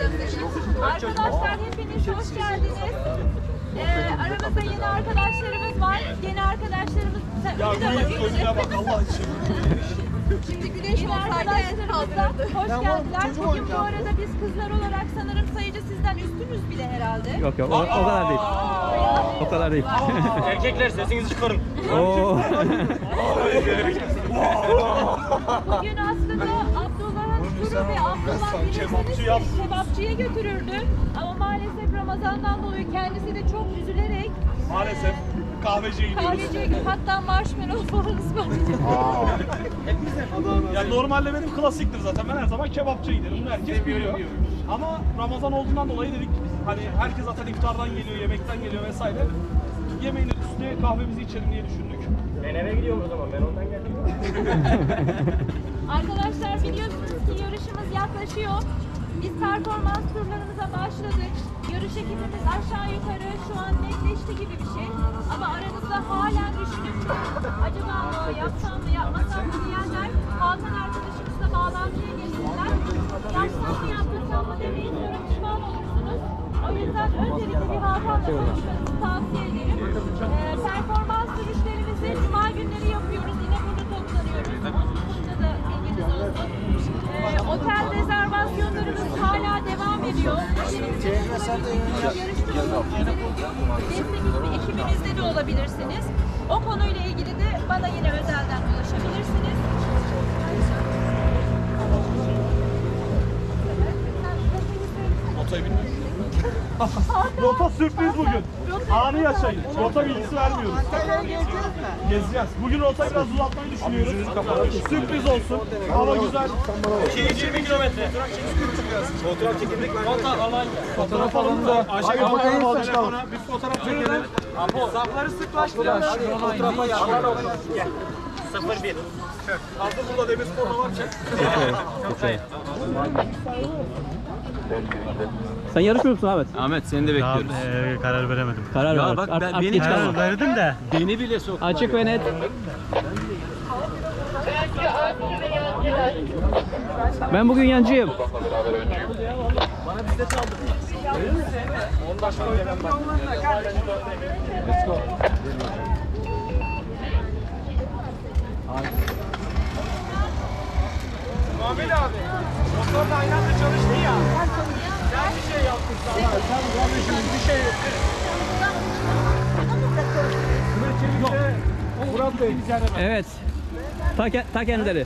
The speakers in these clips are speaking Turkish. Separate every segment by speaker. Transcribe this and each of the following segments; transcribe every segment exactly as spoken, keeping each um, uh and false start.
Speaker 1: Arkadaşlar hepiniz hoş geldiniz. Ee, aramızda yeni arkadaşlarımız var. Yeni arkadaşlarımız...
Speaker 2: Ya güneş önüne bak Allah için.
Speaker 1: Şimdi güneş arkadaşlarımız da hoş geldiler. Bugün bu arada biz kızlar olarak sanırım sayıca sizden üstünüz bile herhalde.
Speaker 3: Yok yok o, o kadar değil. O kadar değil.
Speaker 2: Erkekler sesinizi çıkarın.
Speaker 3: Oo.
Speaker 1: Bugün aslında Abdullah'ın turu ve Abdullah birisini kebapçıya götürürdü. Ama maalesef Ramazan'dan dolayı kendisi de çok üzülerek
Speaker 2: Maalesef kahveciye gidiyoruz.
Speaker 1: kahveciye gidip hatta marshmallow falan ısmarlayacak.
Speaker 2: Ya normalde benim klasiktir zaten. Ben her zaman kebapçıya giderim. Bunu herkes biliyor. Ama Ramazan olduğundan dolayı dedik hani herkes zaten iftardan geliyor, yemekten geliyor vesaire. Yemeğin üstüne kahvemizi içelim diye düşündük.
Speaker 4: Ben eve gidiyorum o zaman, ben ondan geldim.
Speaker 1: Arkadaşlar biliyorsunuz ki yarışımız yaklaşıyor. Biz performans turlarımıza başladık. Yarış ekibimiz aşağı yukarı şu an netleşti gibi bir şey. Ama aranızda halen düşünüp acaba mı yapsam mı yapmasam mı diyenler Hakan arkadaşımızla bağlantıya geçsinler. Yapsam mı yapmasam mı demeyin sonra pişman olursunuz. O yüzden öncelikle bir Hakan'la konuşmanızı tavsiye ederim. Ee, performans sürüşlerimizi cuma günleri yapıyoruz. Yine burada toplanıyoruz. Bununla da bilginiz olsun. Ee, otel rezervasyonlarımız hala devam ediyor. Destek ekibimizde de olabilirsiniz. O konuyla ilgili de bana yine özelden ulaşabilirsiniz.
Speaker 2: Rotayı bilmiyorum. Rota sürpriz bugün. Anı yaşayın. Rota bilgisi vermiyoruz. Gezeceğiz. Bugün rotayı biraz uzatmayı düşünüyoruz. Sürpriz olsun. Hava güzel.
Speaker 4: yirmi kilometre. Fotoğraf çekildik mi?
Speaker 2: Fotoğraf alanında. Ayşe fotoğraf al telefona. Bir fotoğraf çekelim.
Speaker 4: Zapları sıklaştırın. Fotoğrafa yapalım. sıfır bir.
Speaker 2: Hazır burada Demirspor'da var çek.
Speaker 3: Okay. Sen yarışmıyor musun Ahmet?
Speaker 5: Ahmet seni de bekliyoruz.
Speaker 6: Ee, karar veremedim.
Speaker 3: Karar
Speaker 5: Ya
Speaker 3: ver.
Speaker 5: bak
Speaker 3: Art,
Speaker 5: ben-
Speaker 3: art
Speaker 5: beni
Speaker 3: geç
Speaker 5: karar
Speaker 3: kalma.
Speaker 6: Karar verdim de.
Speaker 5: Beni bile soktular.
Speaker 3: Açık ve net. Ben bugün yancıyım.
Speaker 2: Muhammed abi. Motorla aynı anda çalıştı ya. Sen bir şey yaptın sana. Sen kardeşim bir şey yaptın. Murat Bey bir tane ben.
Speaker 3: Evet. Ta, ke- ta kendileri.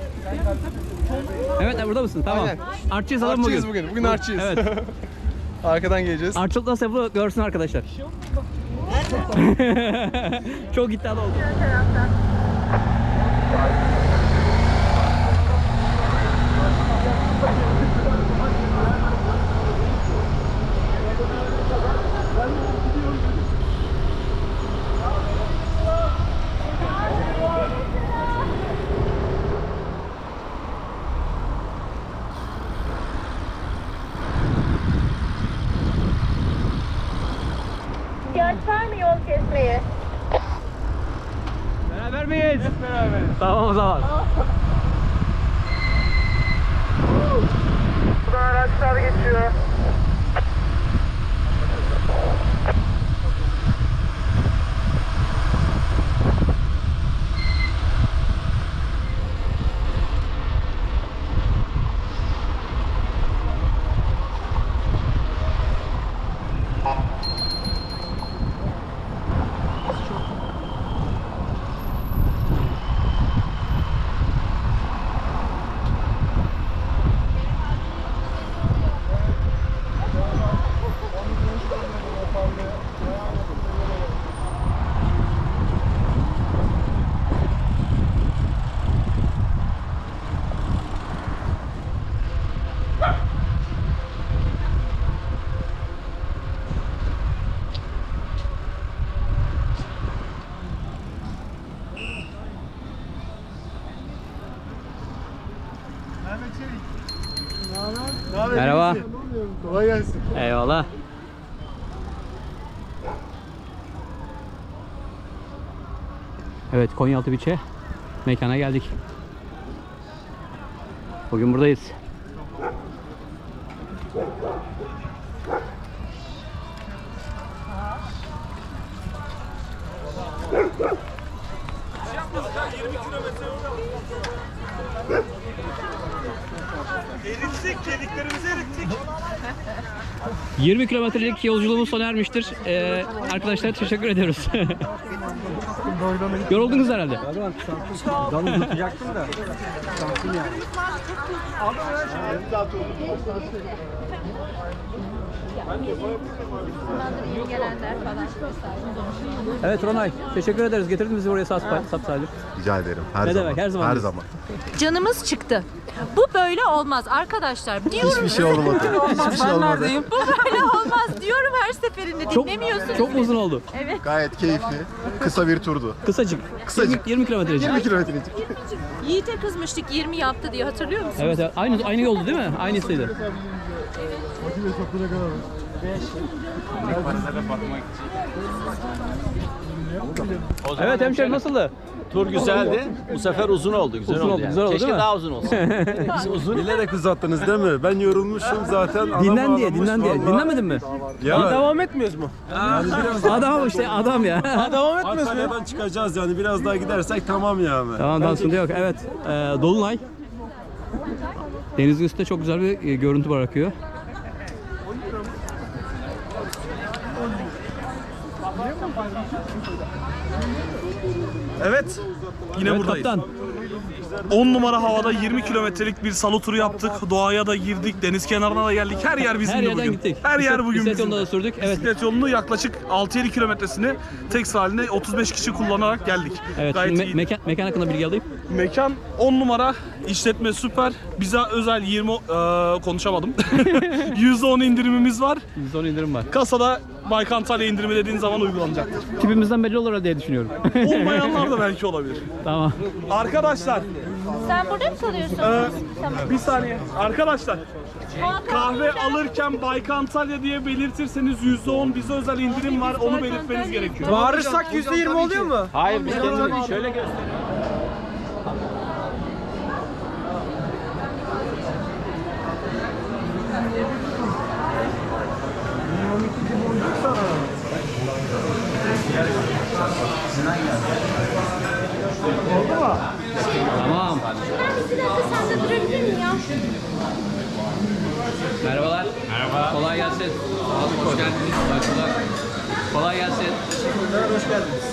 Speaker 3: Evet burada mısın? Tamam.
Speaker 7: Aynen.
Speaker 3: Artçıyız adam bugün.
Speaker 7: Artçıyız bugün. Bugün artçıyız.
Speaker 3: Evet.
Speaker 7: Arkadan geleceğiz.
Speaker 3: Artçılık nasıl yapılır görsün arkadaşlar. Çok iddialı oldu.
Speaker 1: İhtiyaç var mı yol kesmeye?
Speaker 3: Beraber miyiz? Hep beraberiz. Tamam o zaman.
Speaker 2: Buradan araçlar geçiyor.
Speaker 3: Merhaba.
Speaker 7: Kolay gelsin.
Speaker 3: Eyvallah. Evet, Konyaaltı Beach'e mekana geldik. Bugün buradayız.
Speaker 2: Erittik, kediklerimizi erittik.
Speaker 3: yirmi kilometrelik yolculuğumuz sona ermiştir. Ee, arkadaşlar teşekkür ediyoruz. Yoruldunuz herhalde.
Speaker 1: Yeni gelenler falan.
Speaker 3: Evet Ronay, teşekkür ederiz. Getirdin bizi buraya sapsalim.
Speaker 5: Rica ederim. Her
Speaker 3: Ne
Speaker 5: zaman.
Speaker 3: demek, her zaman
Speaker 5: Her
Speaker 3: diyorsun.
Speaker 5: zaman.
Speaker 1: Canımız çıktı. Bu böyle olmaz arkadaşlar. Diyorum.
Speaker 5: Hiçbir şey olmadı. Hiçbir şey olmadı.
Speaker 1: Bu böyle olmaz diyorum her seferinde.
Speaker 3: Çok,
Speaker 1: Dinlemiyorsunuz.
Speaker 3: çok mu uzun oldu?
Speaker 5: Gayet keyifli. Kısa bir turdu.
Speaker 3: Kısacık.
Speaker 5: Kısacık.
Speaker 3: yirmi kilometrecik.
Speaker 5: yirmi kilometrecik.
Speaker 1: Yiğit'e kızmıştık yirmi yaptı diye hatırlıyor musun?
Speaker 3: Evet, evet. Aynı aynı yoldu değil mi? Aynısıydı. Evet hemşerim nasıldı?
Speaker 6: Tur güzeldi. Bu sefer uzun oldu. Güzel
Speaker 3: Uzun
Speaker 6: oldu.
Speaker 3: oldu,
Speaker 6: yani.
Speaker 3: güzel oldu,
Speaker 6: Keşke
Speaker 3: değil mi?
Speaker 6: daha uzun olsun. Biz uzun.
Speaker 8: Bilerek uzattınız değil mi? Ben yorulmuşum zaten. Adam
Speaker 3: Dinlen diye,
Speaker 8: ağlamış
Speaker 3: dinlen diye.
Speaker 8: vallahi.
Speaker 3: Dinlemedin mi?
Speaker 8: Ya
Speaker 4: Devam etmiyoruz mu?
Speaker 3: Adam işte, adam ya.
Speaker 4: Devam etmiyoruz mu?
Speaker 8: Antalya'dan çıkacağız yani. Biraz daha gidersek tamam yani.
Speaker 3: Tamam, daha sıkıntı yok. Evet, e, Dolunay. Denizin üstünde çok güzel bir e, görüntü bırakıyor.
Speaker 2: Evet. Yine
Speaker 3: Evet
Speaker 2: buradayız.
Speaker 3: kaptan.
Speaker 2: on numara havada yirmi kilometrelik bir salı turu yaptık. Doğaya da girdik, deniz kenarına da geldik. Her yer bizim
Speaker 3: Her yerden
Speaker 2: bugün.
Speaker 3: gittik.
Speaker 2: Her yer
Speaker 3: Bisiklet-
Speaker 2: bugün
Speaker 3: bisiklet
Speaker 2: bizim.
Speaker 3: yolunda da sürdük. Evet.
Speaker 2: Bisiklet yolunu yaklaşık altı yedi kilometresini tek halinde otuz beş kişi kullanarak geldik.
Speaker 3: Evet,
Speaker 2: Gayet
Speaker 3: şimdi me-
Speaker 2: iyi.
Speaker 3: mekan, mekan hakkında bilgi alayım.
Speaker 2: Mekan on numara, işletme süper. Bize özel yirmi eee, konuşamadım. yüzde on indirimimiz var.
Speaker 3: yüzde on indirim var.
Speaker 2: Kasada Baykan Antalya indirimi dediğin zaman uygulanacaktır.
Speaker 3: Tipimizden belli olur diye düşünüyorum.
Speaker 2: Olmayanlar da belki olabilir.
Speaker 3: Tamam.
Speaker 2: Arkadaşlar,
Speaker 1: Sen burada mı kalıyorsun?
Speaker 2: eee,
Speaker 1: Tamam.
Speaker 2: bir saniye. Arkadaşlar,
Speaker 1: Hakan
Speaker 2: kahve
Speaker 1: burada.
Speaker 2: alırken Baykan Antalya diye belirtirseniz yüzde on bize özel indirim var. Onu belirtmeniz gerekiyor.
Speaker 4: Bağırırsak yüzde yirmi oluyor mu?
Speaker 6: Hayır biz kendimizi şöyle gösterelim.
Speaker 3: Tamam.
Speaker 1: Bir dakika sen de durabilir miyim ya?
Speaker 3: Merhabalar. Merhaba. Kolay gelsin. Abi hoş geldiniz. Başlar. Kolay gelsin. Hoş geldiniz.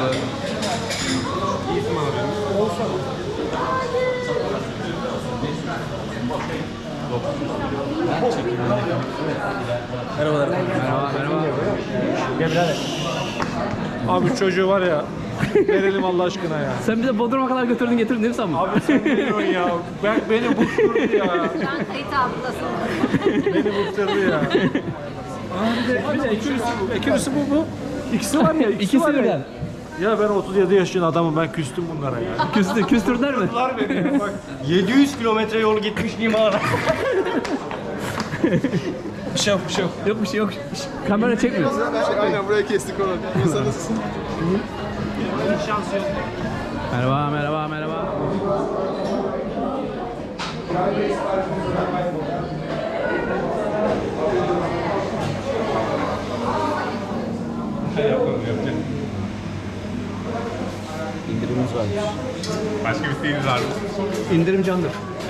Speaker 3: Merhabalar. Merhaba, merhaba.
Speaker 4: Abi çocuğu var ya. Verelim Allah aşkına ya.
Speaker 3: Sen bize Bodrum'a kadar götürdün getirdin değil mi sen?
Speaker 4: Abi sen ne diyorsun ya? Ben, beni bıktırdı ya.
Speaker 1: Sen kayıt altındasın.
Speaker 4: Beni bıktırdı ya. Bir de, bir de ekürüsü, ekürüsü bu bu. İkisi var ya. ikisi
Speaker 3: İkisi
Speaker 4: var ya.
Speaker 3: birden.
Speaker 4: Ya ben otuz yedi yaşında adamım, ben küstüm bunlara ya.
Speaker 3: Küstü, küstürdüler mi?
Speaker 6: yedi yüz kilometre yol gitmiş limana.
Speaker 2: Bir şey yok, bir şey yok.
Speaker 3: Yok bir şey yok. Şş, kamera çekmiyor.
Speaker 7: Aynen buraya kestik onu. Masanız.
Speaker 3: Merhaba, merhaba, merhaba. İndirimimiz var.
Speaker 5: Başka bir isteğiniz var mı?
Speaker 3: İndirim candır.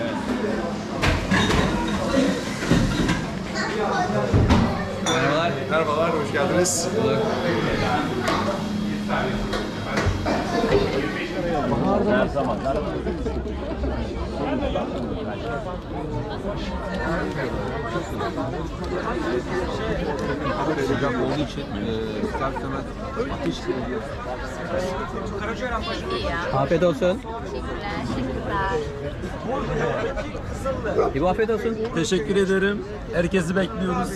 Speaker 3: Merhabalar.
Speaker 7: Merhabalar, hoş geldiniz.
Speaker 9: Sıcak olduğu için ister istemez ateş geliyor.
Speaker 3: Afiyet olsun. İbo afiyet olsun.
Speaker 4: Teşekkür ederim. Herkesi bekliyoruz.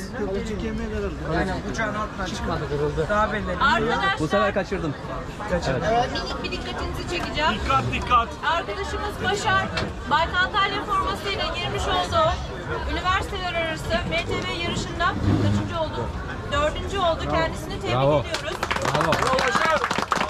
Speaker 1: Arkadaşlar
Speaker 3: Bu sefer kaçırdım.
Speaker 1: minik bir dikkatinizi çekeceğim.
Speaker 2: Dikkat dikkat.
Speaker 1: Arkadaşımız Başar, Baykan Antalya formasıyla girmiş olduğu üniversiteler arası M T B yarışında kaçıncı oldu? Dördüncü oldu. Kendisini tebrik
Speaker 3: Bravo.
Speaker 1: ediyoruz.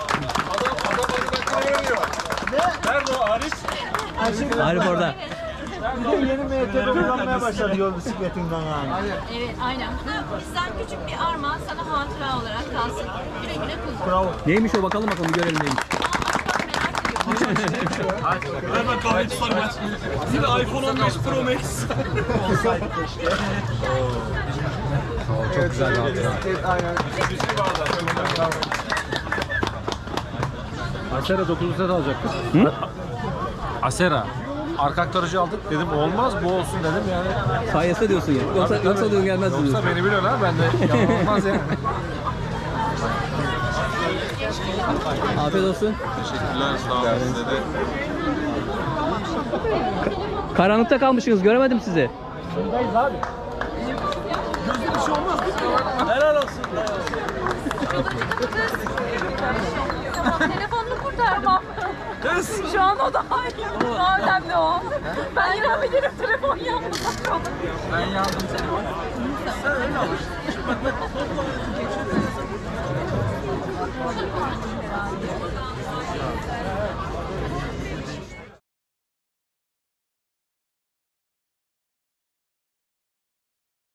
Speaker 2: Nerede o Arif?
Speaker 3: Arif orada.
Speaker 4: Bir de yeni M T B kullanmaya başladı yol bisikletinden yani.
Speaker 1: Evet, aynen. Bu bizden küçük bir armağan sana hatıra olarak kalsın. Güle güle kullan.
Speaker 4: Bravo.
Speaker 3: Neymiş o bakalım bakalım görelim neymiş.
Speaker 2: Hemen kahve tutarım aç. Yine iPhone on beş Pro Max.
Speaker 9: Çok güzel bir hatıra.
Speaker 8: Asera dokuz set alacaktık. Asera. Arka aktarıcı aldık dedim olmaz bu olsun dedim yani.
Speaker 3: Sayesinde diyorsun ya. Yoksa,
Speaker 8: Tabii,
Speaker 3: yoksa
Speaker 8: tabii.
Speaker 3: diyorsun gelmez
Speaker 8: Yoksa
Speaker 3: diyorsun.
Speaker 8: beni biliyorsun ha ben de yalan olmaz yani.
Speaker 3: Afiyet olsun.
Speaker 9: Teşekkürler. Sağ olun size de.
Speaker 3: Karanlıkta kalmışsınız göremedim sizi.
Speaker 1: Tamam, telefonunu kurtarmam. Şu an o daha iyi. Daha önemli o. Ben yanabilirim telefon yanmaz.
Speaker 9: Ben yandım seni.